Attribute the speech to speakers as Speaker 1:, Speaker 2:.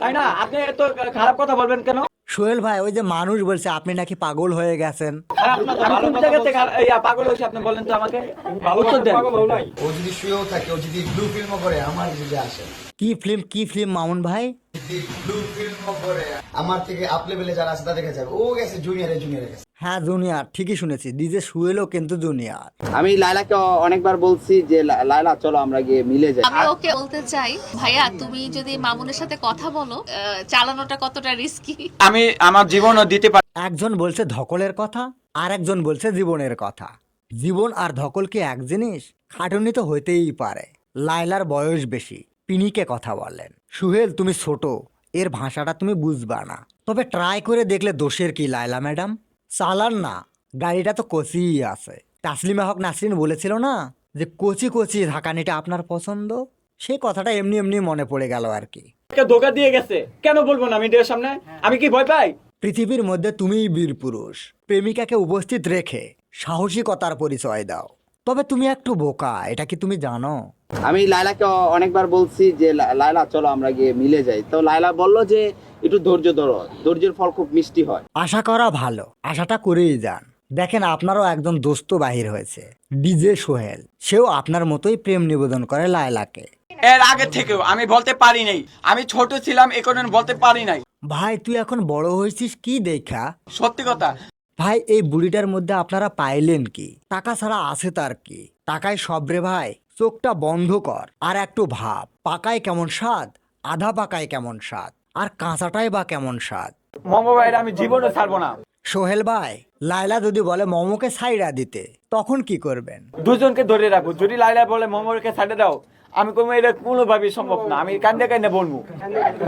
Speaker 1: তাই না? আপনি এত খারাপ কথা বলবেন কেন?
Speaker 2: সোহেল ভাই, ওই যে মানুষ বলছে আপনি নাকি পাগল হয়ে গেছেন।
Speaker 1: খারাপ না তো, আমি কোন জায়গা থেকে পাগল হয়েছি আপনি বলেন তো আমাকে, উত্তর দেন।
Speaker 3: ও যদি শুয়েও থাকে, ও যদি ব্লু ফিল্মও করে, আমার যদি আসে
Speaker 2: কি ফিল্ম মামুন ভাই?
Speaker 3: ব্লু ফিল্মও করে, আমার থেকে আপ লেভেলে যারা আছে তাদের কাছে যাবে। ও গেছে জুনিয়রে গেছে।
Speaker 2: হ্যাঁ জুনিয়র, ঠিকই শুনেছি, ডিজে সোহেলও কিন্তু জুনিয়র।
Speaker 4: আমি লায়লাকে অনেকবার বলছি যে লায়লা চলো আমরা গিয়ে মিলে যাই।
Speaker 5: আমি ওকে বলতে চাই, ভাইয়া তুমি যদি মামুনের সাথে কথা বলো, চালানোটা কতটা রিস্কি।
Speaker 1: আমি আমার জীবনও দিতে পারি।
Speaker 2: একজন বলছে ধকলের কথা, আর একজন বলছে জীবনের কথা। জীবন আর ধকল কি এক জিনিস? খাটুনি তো হইতেই পারে। লায়লার বয়স বেশি, পিনিকে কথা বলেন। সুহেল তুমি ছোট, এর ভাষাটা তুমি বুঝবা না, তবে ট্রাই করে দেখলে দোষের কি লায়লা ম্যাডাম? চালান না, গাড়িটা তো কচিই আছে। তাসলিমা হক নাসরিন বলেছিল না যে কচি কচি ঢাকানিটা আপনার পছন্দ? সেই কথাটা এমনি এমনি মনে পড়ে গেল আর কি।
Speaker 1: ধোকা দিয়ে গেছে, কেন বলবো না মিডিয়ার সামনে? আমি কি ভয় পাই?
Speaker 2: পৃথিবীর মধ্যে তুমিই বীর পুরুষ, প্রেমিকাকে উপস্থিত রেখে সাহসিকতার পরিচয় দাও। তবে তুমি একটু বোকা, এটা কি তুমি জানো?
Speaker 4: আমি লায়লাকে অনেকবার বলছি যে লায়লা চলো আমরা গিয়ে মিলে যাই। তো লায়লা বলল যে একটু ধৈর্য ধরো, ধৈর্যের ফল খুব মিষ্টি হয়।
Speaker 2: আশা করা ভালো, আশাটা করেই যান। দেখেন আপনারও একজন দোস্ত বাহির হয়েছে, ডিজে সোহেল। সেও আপনার মতোই প্রেম নিবেদন করে লায়লাকে।
Speaker 1: এর আগে থেকেও আমি বলতে পারি নাই, আমি ছোট ছিলাম এখন বলতে পারি নাই।
Speaker 2: ভাই তুই এখন বড় হয়েছিস কি দেখা?
Speaker 1: সত্যি কথা।
Speaker 2: ভাই এই বুড়িটার মধ্যে আপনারা পাইলেন কি? টাকা ছাড়া আছে তার কি? টাকায় সব রে ভাই। চোখটা বন্ধ কর আর একটু ভাব, পাকায় কেমন স্বাদ, আধা পাকায় কেমন স্বাদ, আর কাঁচাটাই বা কেমন স্বাদ।
Speaker 1: মোমো ভাইরা আমি জীবনে ছাড়বো না।
Speaker 2: সোহেল ভাই, লায়লা যদি বলে মোমোকে সাইডা দিতে, তখন কি করবেন?
Speaker 1: দুজনকে ধরে রাখবো। যদি লাইলা বলে মোমোকে ছাড়ে দাও, আমি কোনো এটা কোনোভাবেই সম্ভব না, আমি কান্দে কান্দে বলবো।